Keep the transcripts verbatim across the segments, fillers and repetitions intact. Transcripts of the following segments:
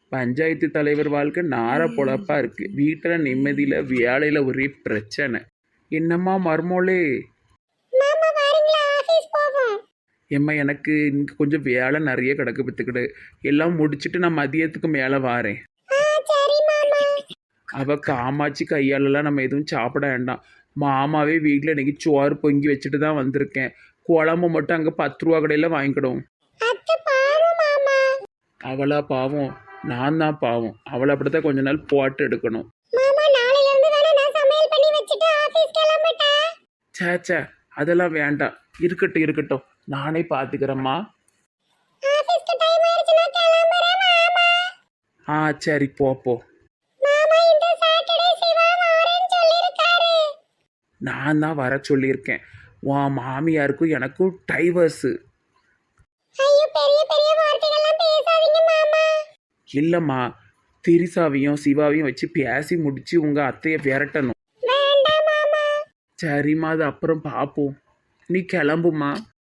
பஞ்சாயத்து தலைவர் வாழ்க்கை நார பொழப்பா இருக்கு. வீட்டில் நிம்மதியில் வேலையில் ஒரே பிரச்சனை. என்னம்மா மர்மோளே? மாமா வாரீங்களா? ஆபீஸ் போவோம். ஏம்மா எனக்கு இங்கே கொஞ்சம் வேலை நிறைய கிடக்கு பத்துக்கிடு. எல்லாம் முடிச்சுட்டு நான் மதியத்துக்கு மேலே வாரேன். ஆ சரி மாமா. அவ காமாட்சி கையாலெல்லாம் நம்ம எதுவும் சாப்பிட வேண்டாம். மாமாவே வீட்டில் இன்னைக்கு சோறு பொங்கி வச்சுட்டு தான் வந்திருக்கேன். குழம்பு மட்டும் அங்கே பத்து ரூபா கடையில் வாங்கிக்கிடும். அத்தை பாவம் மாமா. அவளா பாவம்? நான் தான் பாவம். அவளை அப்படித்தான் கொஞ்ச நாள் போட்டு எடுக்கணும். மாமா நாளையில இருந்து வேணா நான் சமையல் பண்ணி வச்சிட்டு ஆபீஸ் கிளம்பட்டேன். சே சே அதெல்லாம் வேண்டாம். இருக்கட்டும் இருக்கட்டும், நானே பார்த்துக்கிறேம்மா. ஆபீஸ்க்கு டைம் ஆயிடுச்சு, நான் கிளம்புறேன் மாமா. ஆ சரி போ போ. மாமா இந்த சாட்டர்டே சிவா வரேன்னு சொல்லிருக்காரு. நான் தான் வர சொல்லியிருக்கேன். உன் மாமியாருக்கும் எனக்கும் டைவர்ஸு. ஐயோ பெரிய பெரிய வார்த்தைகள்லாம் பேசாதீங்க மாமா. இல்லைம்மா, திரிசாவையும் சிவாவையும் வச்சு பேசி முடிச்சு உங்கள் அத்தையை விரட்டணும். வேண்டாம் மாமா. சரிம்மா, அது அப்புறம் பார்ப்போம். நீ கிளம்புமா.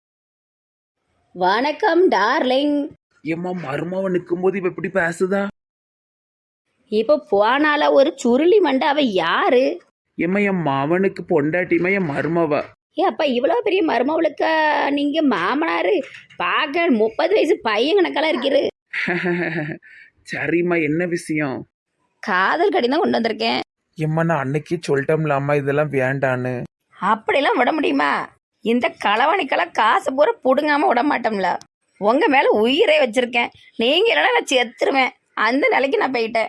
வணக்கம் டார்லிங். ஏம்மா மருமவ நிற்கும்போது இவ இப்படி பேசுதா? இப்போ போனால ஒரு சுருளி மண்டை. அவ யாரு? ஏம்மா என் மவனுக்கு பொண்டாட்டிமா என் மருமவ. ஏ அப்பா இவ்வளோ பெரிய மருமவளுக்கா நீங்க மாமனாரு? பார்க்க முப்பது வயசு பையன் கணக்கெல்லாம் இருக்கிறது. சரிம்மா, என்ன விஷயம்? காதல் கடிதம் கொண்டு வந்திருக்கேன். ஏம்மா நான் அன்னைக்கே சொல்லிட்டோம்ல அம்மா இதெல்லாம் வேண்டான்னு. அப்படிலாம் விட முடியுமா? இந்த களவாணிக்கெல்லாம் காசு பூரா புடுங்காம விட மாட்டோம்ல. உங்க மேல உயிரே வச்சிருக்கேன். நீங்க இல்லைன்னா நான் செத்துருவேன். அந்த நிலைக்கு நான் போயிட்டேன்.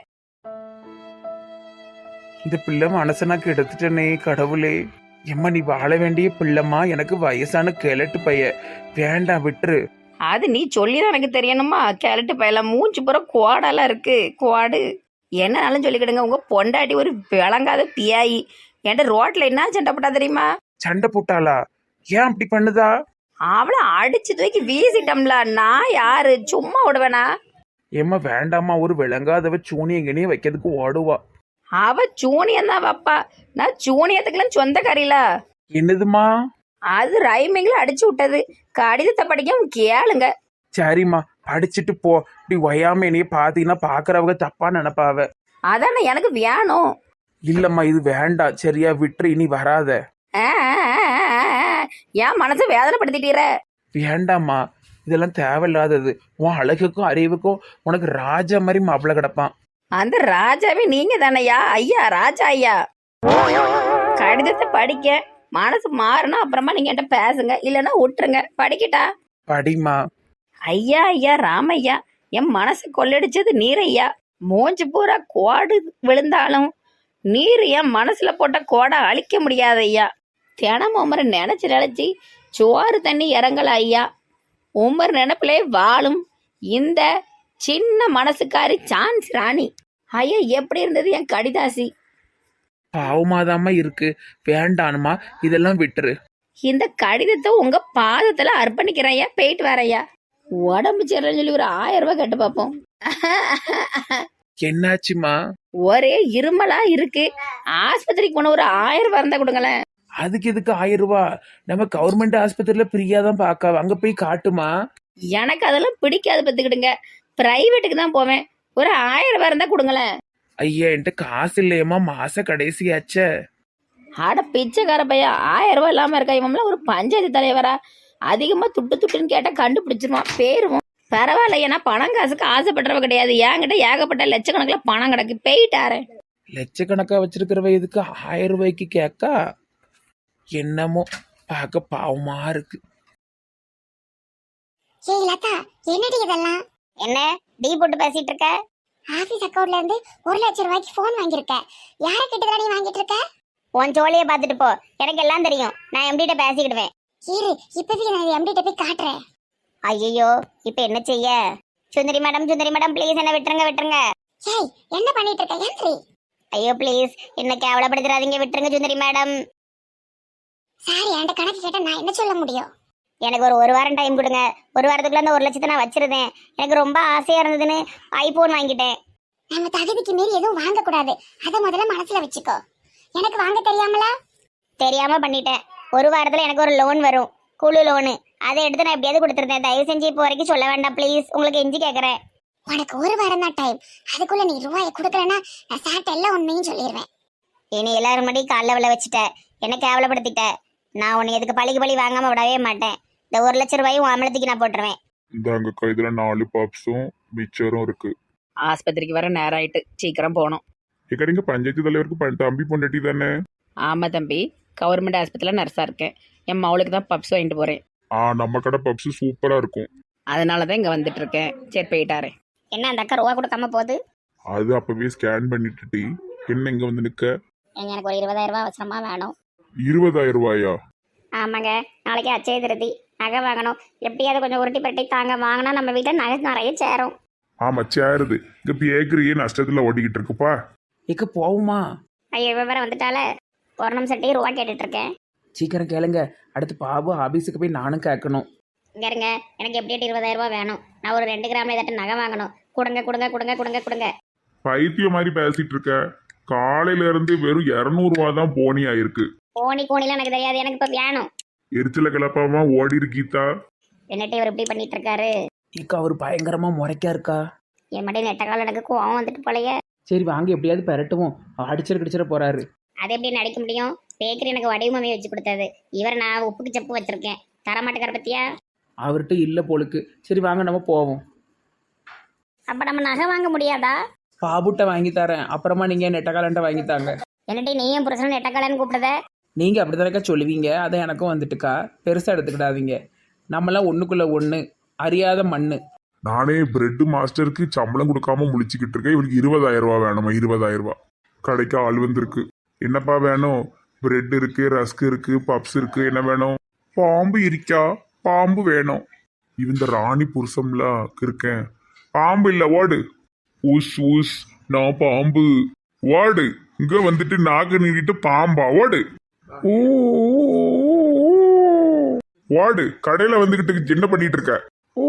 இந்த பிள்ளை மனசனாக்கு எடுத்துட்டனே கடவுளே. எம்மா நீ வாழ வேண்டிய பிள்ளைம்மா. எனக்கு வயசான கிழட்டு பைய. வேண்டாம் விட்டுரு. அது நீ சொல்லிதான் எனக்கு தெரியணுமா? கேரட்டு பையலாம் மூஞ்சி பூரா குவாடெல்லாம் இருக்கு. குவாடு என்னன்னாலும் சொல்லிக்கிடுங்க. உங்க பொண்டாட்டி ஒரு விளங்காத பியாயி. என்கிட்ட ரோட்ல என்ன சண்டை போட்டா தெரியுமா? சண்டை போட்டாளா? ஏன் அப்படி பண்ணுதா? அவளை அடிச்சு தூக்கி வீசிட்டோம்ல. நான் யாரு சும்மா விடுவேனா? ஏம்மா வேண்டாம்மா, ஒரு விளங்காதவ சூனியங்கனையும் வைக்கிறதுக்கு ஓடுவா. அவ சூனியம் தான் வப்பா. நான் சூனியத்துக்கெல்லாம் சொந்தக்காரில. என்னதுமா? அது ரைமிங்ல அடிச்சு விட்டது. கடிதத்தை படிக்க கேளுங்க. சரிம்மா படிச்சுட்டு போ. இப்படி ஒயாம என்னைய பாத்தீங்கன்னா பாக்குறவங்க தப்பா நினைப்பாவ. அதானே எனக்கு வேணும். இல்லம்மா இது வேண்டாம். சரியா விட்டுரு, இனி வராத. ஆ, என் மனசை வேதனைப்படுத்திட்டீர. வேண்டாம்மா, இதெல்லாம் தேவையில்லாதது. உன் அழகுக்கும் அறிவுக்கும் உனக்கு ராஜா மாதிரி மாப்பிள்ள கிடப்பான். அந்த ராஜாவே நீங்க தானையா? ஐயா ராஜா ஐயா. கடிதத்தை படிக்க மனசு மாறணும். அப்புறமா நீங்க என்கிட்ட பேசுங்க, இல்லைன்னா விட்டுருங்க. படிக்கிட்டா? படிமா. ஐயா ஐயா ராமையா, என் மனசு கொள்ளடிச்சது நீரையா. மூஞ்சி பூரா கோடு விழுந்தாலும் நீர் என் மனசுல போட்ட கோடை அழிக்க முடியாது ஐயா. தினமும் உமரை நினைச்சு நினைச்சு சோறு தண்ணி இறங்கல ஐயா. உமர் நினைப்பிலே வாழும் இந்த சின்ன மனசுக்காரி சான்ஸ் ராணி. ஐயா எப்படி இருந்தது என் கடிதாசி? பாவமாதாம்மா இருக்கு. வேண்டானுமா, இதெல்லாம் விட்டுரு. இந்த கடிதத்தை உங்க பாதத்துல அர்ப்பணிக்கிறேன் ஐயா. போயிட்டு வரையா. உடம்பு சரியில்லைன்னு சொல்லி ஒரு ஆயிரம் ரூபாய் கட்டு பார்ப்போம். என்னாச்சுமா? ஒரே இருமலா இருக்கு. ஆஸ்பத்திரிக்கு போன ஒரு ஆயிரம் ரூபாய் இருந்தா கொடுங்களேன். அதுக்கு எதுக்கு ஆயிரம் ரூபாய்? நம்ம கவர்மெண்ட் ஆஸ்பத்திரியில ஃப்ரீயா தான் பாக்க. அங்க போய் காட்டுமா. எனக்கு அதெல்லாம் பிடிக்காது பத்துக்கிடுங்க. பிரைவேட்டுக்கு தான் போவேன். ஒரு ஆயிரம் ரூபாய் இருந்தா கொடுங்களேன். ஐயா என்கிட்ட காசு இல்லையம்மா, மாச கடைசியாச்சே. ஆட பிச்சைக்கார பையன் ஆயிரம் ரூபாய் இல்லாம இருக்கா? இவன்லாம் ஒரு பஞ்சாயத்து தலைவரா? அதிகமா துட்டு துட்டுன்னு கேட்டா கண்டுபிடிச்சிருவான். பேருவோம் பரவாயில்ல. ஏன்னா பணம் காசுக்கு ஆசைப்படுறவ கிடையாது. என்கிட்ட ஏகப்பட்ட லட்சக்கணக்கில் பணம் கிடக்கு. போயிட்டாரு. லட்சக்கணக்கா வச்சிருக்கிறவ எதுக்கு ஆயிரம் ரூபாய்க்கு கேக்கா? என்னமோ பார்க்க பாவமா இருக்கு. ஏய் லதா, என்னடி இதெல்லாம்? என்ன டீ போட்டு பேசிட்டு இருக்க? ஆபீஸ் அக்கவுண்ட்ல இருந்து ஒரு லட்சம் ரூபாய்க்கு போன் வாங்கியிருக்க. யார கிட்ட நீ வாங்கிட்டு இருக்க? உன் ஜோலியை பார்த்துட்டு போ. எனக்கு எல்லாம் தெரியும். நான் எம்டிட்ட பேசிக்கிடுவேன். இரு, இப்போதைக்கு நான் எம்டிட்ட போய் காட்டுறேன். ஐயோ இப்ப என்ன செய்ய? Sundari madam, Sundari madam please என்ன விட்டுருங்க விட்டுருங்க. ஏய் என்ன பண்ணிட்டு இருக்க? ஏன்ரி? ஐயோ ப்ளீஸ் என்ன கேவலப்படுத்துறாதீங்க, விட்டுருங்க சுந்தரி மேடம். சாரி, என்கிட்ட கணக்கு கேட்டா நான் என்ன சொல்ல முடியும்? எனக்கு ஒரு ஒரு வாரம் டைம் கொடுங்க. ஒரு வாரத்துக்குள்ள அந்த ஒரு லட்சத்தை நான் வச்சிருந்தேன். எனக்கு ரொம்ப ஆசையா இருந்ததுன்னு ஐபோன் வாங்கிட்டேன். நம்ம தகுதிக்கு மீறி எதுவும் வாங்க கூடாது. அதை முதல்ல மனசுல வச்சுக்கோ. எனக்கு வாங்க தெரியாமலா? தெரியாம பண்ணிட்டேன். ஒரு வாரத்துல எனக்கு ஒரு லோன் வரும், குழு லோனு. அதை எடுத்து நான் எப்படியாவது கொடுத்துருந்தேன். தயவு செஞ்சு இப்போ வரைக்கும் சொல்ல வேண்டாம் ப்ளீஸ். உங்களுக்கு எஞ்சி கேட்குறேன். உனக்கு ஒரு வாரம் தான் டைம். அதுக்குள்ள நீ ரூபாயை கொடுக்கலன்னா நான் சாட்டை எல்லாம் உண்மையும் சொல்லிடுவேன். இனி எல்லாரும் முன்னாடி காலைல விழ வச்சுட்ட, என்ன கேவலப்படுத்திட்ட. நான் உன்னை எதுக்கு பழிக்கு பழி வாங்காம விடவே மாட்டேன். இந்த ஒரு லட்சம் ரூபாயும் அமலத்துக்கு நான் போட்டுருவேன். இந்தாங்கக்கா, இதுல நாலு பப்ஸும் மிச்சரும் இருக்கு. ஆஸ்பத்திரிக்கு வர நேரம் ஆயிட்டு, சீக்கிரம் போகணும். ஏக்கா, நீங்க பஞ்சாயத்து தலைவருக்கு ப- தம்பி பொண்டாட்டி தானே? ஆமாம் தம்பி, கவர்மெண்ட் ஆஸ்பத்திரியில் நர்ஸாக இருக்கேன். என் மவளுக்கு தான் பப்ஸ் வாங்கிட்டு போகிறேன். ஆ, நம்ம கடை பப்ஸ் சூப்பரா இருக்கும். அதனால தான் இங்கே வந்துட்டு இருக்கேன். சரி போயிட்டாரு. என்ன அந்த அக்கா ரூபா கொடுக்காம போகுது? அது அப்பவே ஸ்கேன் பண்ணிட்டு என்ன இங்க வந்து நிக்க? ஏங்க, எனக்கு ஒரு இருபதாயிரம் ரூபாய் அவசரமா வேணும். இருபதாயிரம் ரூபாயா? ஆமாங்க, நாளைக்கு அச்சய திருதி, நகை வாங்கணும். எப்படியாவது கொஞ்சம் உருட்டி பரட்டி தாங்க, வாங்கினா நம்ம வீட்டில் நகை நிறைய சேரும். ஆமா, சேருது. இங்க பேக்கரியே நஷ்டத்துல ஓடிக்கிட்டு இருக்குப்பா. ஏக்க போவுமா? ஐயோ, விவரம் வந்துட்டால. ஒரு நிமிஷம் டீ ரூபா கேட்டுட்டு இருக்கேன். சீக்கிரம் கேளுங்க. அடுத்து பாபு ஆபீஸுக்கு போய் நானும் கேட்கணும். இங்க இருங்க, எனக்கு எப்படியாட்டு இருபதாயிரம் ரூபாய் வேணும். நான் ஒரு ரெண்டு கிராம்ல ஏதாட்டும் நகை வாங்கணும். கொடுங்க கொடுங்க கொடுங்க கொடுங்க கொடுங்க. பைத்தியம் மாதிரி பேசிட்டு இருக்க. காலையில இருந்து வெறும் இருநூறு ரூபா தான் போனி ஆயிருக்கு. போனி கோணிலாம் எனக்கு தெரியாது, எனக்கு இப்ப வேணும். எரிச்சல கிளப்பாம ஓடி இருக்கீதா. என்னட்டு இவர் இப்படி பண்ணிட்டு இருக்காரு? ஏக்கா அவர் பயங்கரமா முறைக்கா இருக்கா. என் மடி நெட்ட கால எனக்கு கோவம் வந்துட்டு போலயே. சரி வாங்க எப்படியாவது பெரட்டுவோம். அடிச்சிட கிடிச்சிட போறாரு. அது எப்படி நடிக்க முடியும்? பேக்கரி எனக்கு வடிவமே வச்சு கொடுத்தது. இவர் நான் உப்புக்கு செப்பு வச்சிருக்கேன். தரமாட்டுக்கார பத்தியா? அவர்கிட்ட இல்ல போலுக்கு. சரி வாங்க நம்ம போவோம். அப்ப நம்ம நகை வாங்க முடியாதா? பாபுட்ட வாங்கி தரேன், அப்புறமா நீங்க நெட்டக்காலன்ட்ட வாங்கி தாங்க. என்னட்டி நீயும் புருஷனும் நெட்டக்காலன்னு கூப்பிடுத? நீங்க அப்படித்தானக்கா சொல்லுவீங்க, அதை எனக்கும் வந்துட்டுக்கா. பெருசா எடுத்துக்கிடாதீங்க. நம்மளாம் ஒண்ணுக்குள்ள ஒண்ணு, அறியாத மண்ணு. நானே பிரெட் மாஸ்டருக்கு சம்பளம் கொடுக்காம முழிச்சுக்கிட்டு இருக்கேன். இவளுக்கு இருபதாயிரம் ரூபா வேணுமா? இருபதாயிரம் ரூபா. கடைக்கு ஆள் வந்திருக்கு. என்னப்பா வேணும்? பிரெட் இருக்கு, ரஸ்க் இருக்கு, பப்ஸ் இருக்கு. என்ன வேணும்? பாம்பு இருக்கா? பாம்பு வேணும். இந்த ராணி புருஷம்ல இருக்கேன். பாம்பு இல்ல, ஓடு. ஊஸ் ஊஸ், நான் பாம்பு. ஓடு. இங்க வந்துட்டு நாக்கு நீட்டிட்டு பாம்பா? ஓடு. ஊ, ஓடு. கடையில வந்துகிட்டு என்ன பண்ணிட்டு இருக்க?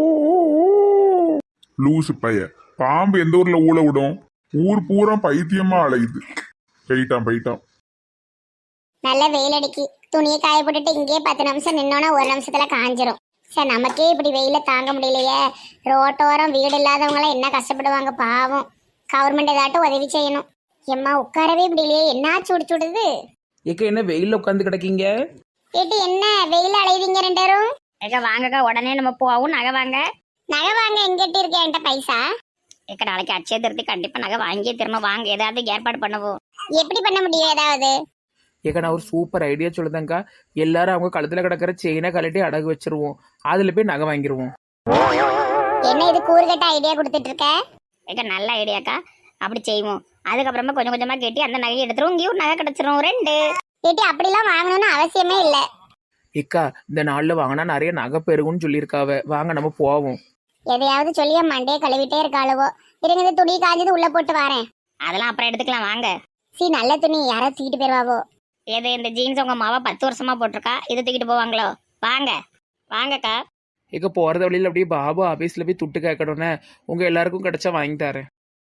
லூசு பைய. பாம்பு எந்த ஊர்ல ஊழ விடும்? ஊர் பூரா பைத்தியமா அலையுது. போயிட்டான் போயிட்டான். நல்ல வெயில் அடிக்கி. துணியை காய போட்டுட்டு இங்கேயே பத்து நிமிஷம் நின்னோன்னா ஒரு நிமிஷத்துல காஞ்சிரும். சார் நமக்கே இப்படி வெயில தாங்க முடியலையே. ரோட்டோரம் வீடு இல்லாதவங்களாம் என்ன கஷ்டப்படுவாங்க பாவம். கவர்மெண்ட் ஏதாட்டும் உதவி செய்யணும். எம்மா உட்காரவே முடியலையே, என்ன சுடு சுடுது. ஏக்க என்ன வெயில்ல உட்காந்து கிடக்கீங்க? கேட்டு என்ன வெயில அலைவீங்க ரெண்டு பேரும்? ஏக்கா வாங்கக்கா, உடனே நம்ம போவோம். நகை வாங்க. நகை வாங்க எங்கிட்ட இருக்கேன் என்கிட்ட பைசா. ஏக்கா நாளைக்கு அச்சய திருத்தி கண்டிப்பா நகை வாங்கியே திரும்ப வாங்க. ஏதாவது ஏற்பாடு பண்ணுவோம். எப்படி பண்ண முடியும் ஏதாவது? ஏக்க நான் ஒரு சூப்பர் ஐடியா சொல்லுதேங்க்கா. எல்லாரும் அவங்க கழுத்துல கிடக்கிற செயினை கழட்டி அடகு வச்சிருவோம். அதுல போய் நகை வாங்கிருவோம். என்ன இது கூறுகட்ட ஐடியா கொடுத்துட்டு இருக்க? ஏக்கா நல்ல ஐடியாக்கா, அப்படி செய்வோம். அதுக்கப்புறமா கொஞ்சம் கொஞ்சமா கட்டி அந்த நகையை எடுத்துரும். இங்கேயும் ஒரு நகை கிடைச்சிரும். ரெண்டு கேட்டி அப்படிலாம் வாங்கணும்னு அவசியமே இல்லை. ஏக்கா இந்த நாள்ல வாங்கினா நிறைய நகை பெருகுன்னு சொல்லியிருக்காவ. வாங்க நம்ம போவோம். எதையாவது சொல்லிய மண்டையை கழுவிட்டே இருக்காளுவோ. இருங்க, இந்த துணி காஞ்சது உள்ள போட்டு வரேன். அதெல்லாம் அப்புறம் எடுத்துக்கலாம் வாங்க. சி நல்ல துணி யாரோ தூக்கிட்டு போயிருவாவோ. ஏது இந்த ஜீன்ஸ் உங்க மாவா பத்து வருஷமா போட்டிருக்கா, இதை தூக்கிட்டு போவாங்களோ? வாங்க வாங்கக்கா. ஏக்க போறத வழியில அப்படியே பாபு ஆபீஸ்ல போய் துட்டு கேட்கணும்னே. உங்க எல்லாருக்கும் கிடைச்சா வாங்கி தரேன்.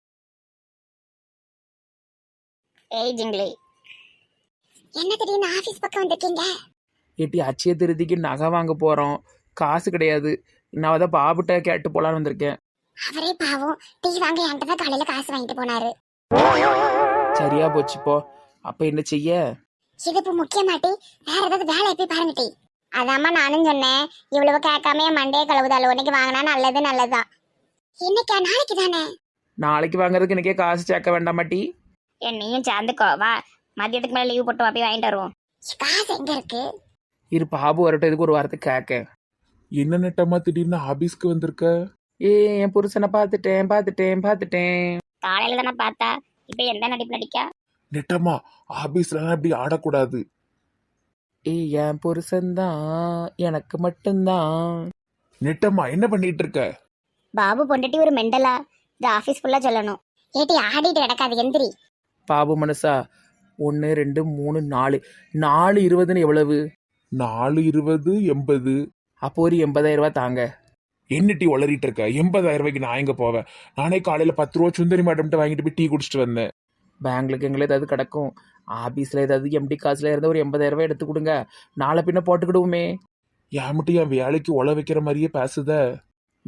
ஏய் ஜிங்லி, என்ன திடீர்னு ஆபீஸ் பக்கம் வந்திருக்கீங்க? ஏட்டி அச்சய திருதிக்கு நகை வாங்க போறோம். காசு கிடையாது. நான் தான் பாபுட்ட கேட்டு போலான்னு வந்திருக்கேன். அவரே பாவம் டீ வாங்க என்கிட்ட தான் காலையில காசு வாங்கிட்டு போனாரு. சரியா போச்சு போ. அப்ப என்ன செய்ய? இது இப்ப முக்கியமாட்டி வேற ஏதாவது வேலை போய் பாருங்க டீ. அதாம்மா நானும் சொன்னேன். இவ்வளவு கேட்காம என் மண்டையை கழுவுதால உன்னைக்கு வாங்கினா நல்லது நல்லதுதான். இன்னைக்கா நாளைக்கு தானே? நாளைக்கு வாங்குறதுக்கு எனக்கே காசு சேர்க்க வேண்டாமாட்டி? ஏன் நீயும் சேர்ந்துக்கோ வா. மதியத்துக்கு மேலே லீவ் போட்டு வா, போய் வாங்கிட்டு வருவோம். காசு எங்க இருக்கு? இரு பாபு வரட்டும், இதுக்கு ஒரு வாரத்துக்கு கேட்க. என்ன நெட்டமா திடீர்னு ஆபீஸ்க்கு வந்திருக்க? ஏ என் புருஷனை பார்த்துட்டேன் பார்த்துட்டேன் பார்த்துட்டேன். காலையில தானே பார்த்தா, இப்ப எந்த நடிப்பு நடிக்கா? நெட்டமா ஆபீஸ்ல இப்படி ஆடக்கூடாது. ஏய் என் புருஷன்தான் எனக்கு மட்டும்தான். நெட்டமா என்ன பண்ணிட்டு இருக்க? பாபு பொண்டாட்டி ஒரு மெண்டலா? இது ஆபீஸ் ஃபுல்லா சொல்லணும். ஏட்டி ஆடிட்டு கிடக்காது எந்திரி. பாபு மனசா ஒன்று ரெண்டு மூணு நாலு நாலு இருபதுன்னு எவ்வளவு? நாலு இருபது எண்பது. அப்போ ஒரு எண்பதாயிரம் ரூபாய் தாங்க. என்ன டீ வளரிட்டு இருக்க? எண்பதாயிரம் ரூபாய்க்கு நான் எங்க போவேன்? நானே காலையில பத்து ரூபா சுந்தரி மேடம்கிட்ட வாங்கிட்டு போய் டீ குடிச்சிட்டு வந்தேன். பேங்க்லுக்கு எங்களை ஏதாவது கிடக்கும். ஆபீஸ்ல ஏதாவது எம்டி காசுல இருந்தால் ஒரு எண்பதாயிரம் ரூபாய் எடுத்து கொடுங்க. நாளை பின்ன போட்டுக்கிடுவோமே. ஏன் மட்டும் என் வேலைக்கு உழ வைக்கிற மாதிரியே பேசுத?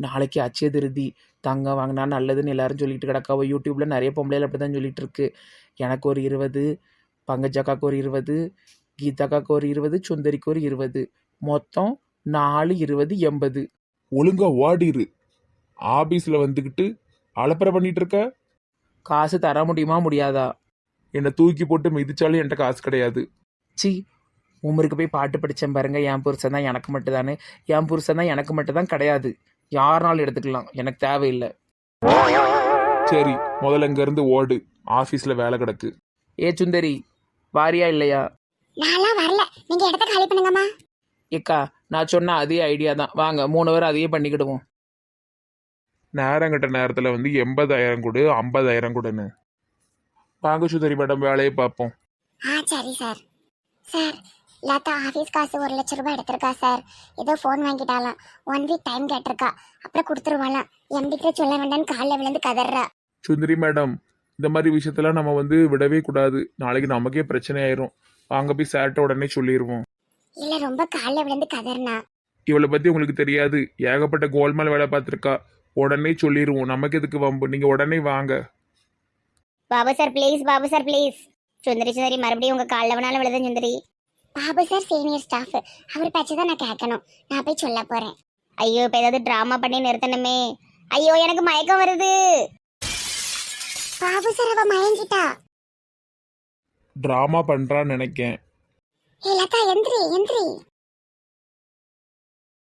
நாளைக்கு அச்சய திருதி, தங்கம் வாங்கினா நல்லதுன்னு எல்லாரும் சொல்லிட்டு கிடக்காவோ. யூடியூப்பில் நிறைய பொம்பளைகள் அப்படி தான் சொல்லிட்டு இருக்கு. எனக்கு ஒரு இருபது, பங்கஜக்காக்கு ஒரு இருபது, கீதாக்காக்கு ஒரு இருபது, சுந்தரிக்கு ஒரு இருபது, மொத்தம் நாலு இருபது எண்பது. ஒழுங்கா ஓடிரு. ஆபீஸ்ல வந்துக்கிட்டு அலப்பறை பண்ணிட்டு இருக்க. காசு தர முடியுமா முடியாதா? என்னை தூக்கி போட்டு மிதிச்சாலும் என்கிட்ட காசு கிடையாது. சி, உமருக்கு போய் பாட்டு படித்தேன் பாருங்க. என் புருஷன் தான் எனக்கு மட்டும் தானே, என் புருஷன் தான் எனக்கு மட்டும் தான் கிடையாது. யாருனாலும் எடுத்துக்கலாம், எனக்கு தேவையில்லை. சரி, முதல்ல இங்க இருந்து ஓடு. ஆபீஸ்ல வேலை கிடக்கு. ஏ சுந்தரி, வாரியா இல்லையா? நான்லாம் வரல, நீங்க இடத்த காலி பண்ணுங்கம்மா. ஏக்கா, நான் சொன்ன அதே ஐடியா தான். வாங்க மூணு பேரும் அதையே பண்ணிக்கிடுவோம். நேரம் கட்ட நேரத்துல வந்து எண்பதாயிரம் கொடு, ஐம்பதாயிரம் கொடுன்னு. வாங்க சுந்தரி மேடம், வேலையை பார்ப்போம். ஆ சரி சார். சார், லதா ஆஃபீஸ் காசு ஒரு லட்ச ரூபாய் எடுத்திருக்கா சார். ஏதோ ஃபோன் வாங்கிட்டாலாம், ஒன் வீக் டைம் கேட்டிருக்கா, அப்புறம் கொடுத்துருவாளாம். எம்பிக்கிட்ட சொல்ல வேண்டாம்னு காலில் விழுந்து கதறா. சுந்தரி மேடம், இந்த மாதிரி விஷயத்தெல்லாம் நம்ம வந்து விடவே கூடாது. நாளைக்கு நமக்கே பிரச்சனை ஆயிரும். வாங்க போய் சார்ட்ட உடனே சொல்லிடுவோம். இல்ல, ரொம்ப காலில் விழுந்து கதறினா. இவளை பத்தி உங்களுக்கு தெரியாது, ஏகப்பட்ட கோல்மால் வேலை பார்த்துருக்கா. உடனே சொல்லிடுவோம், நமக்கு எதுக்கு வம்பு. நீங்க உடனே வாங்க. Babu sir please, Babu sir please. Sundari Sundari மறுபடியும் உங்க காலில் வேணாலும் விழுத Sundari. Babu sir senior staff, அவர் பேச்சு தான் நான் கேட்கணும். நான் போய் சொல்ல போறேன். ஐயோ, இப்போ ஏதாவது ட்ராமா பண்ணி நிறுத்தணுமே. ஐயோ, எனக்கு மயக்கம் வருது. பாபு சார் அவ மயங்கிட்டா. டிராமா பண்றான்னு நினைக்கேன். ஏ லதா, எந்திரி எந்திரி.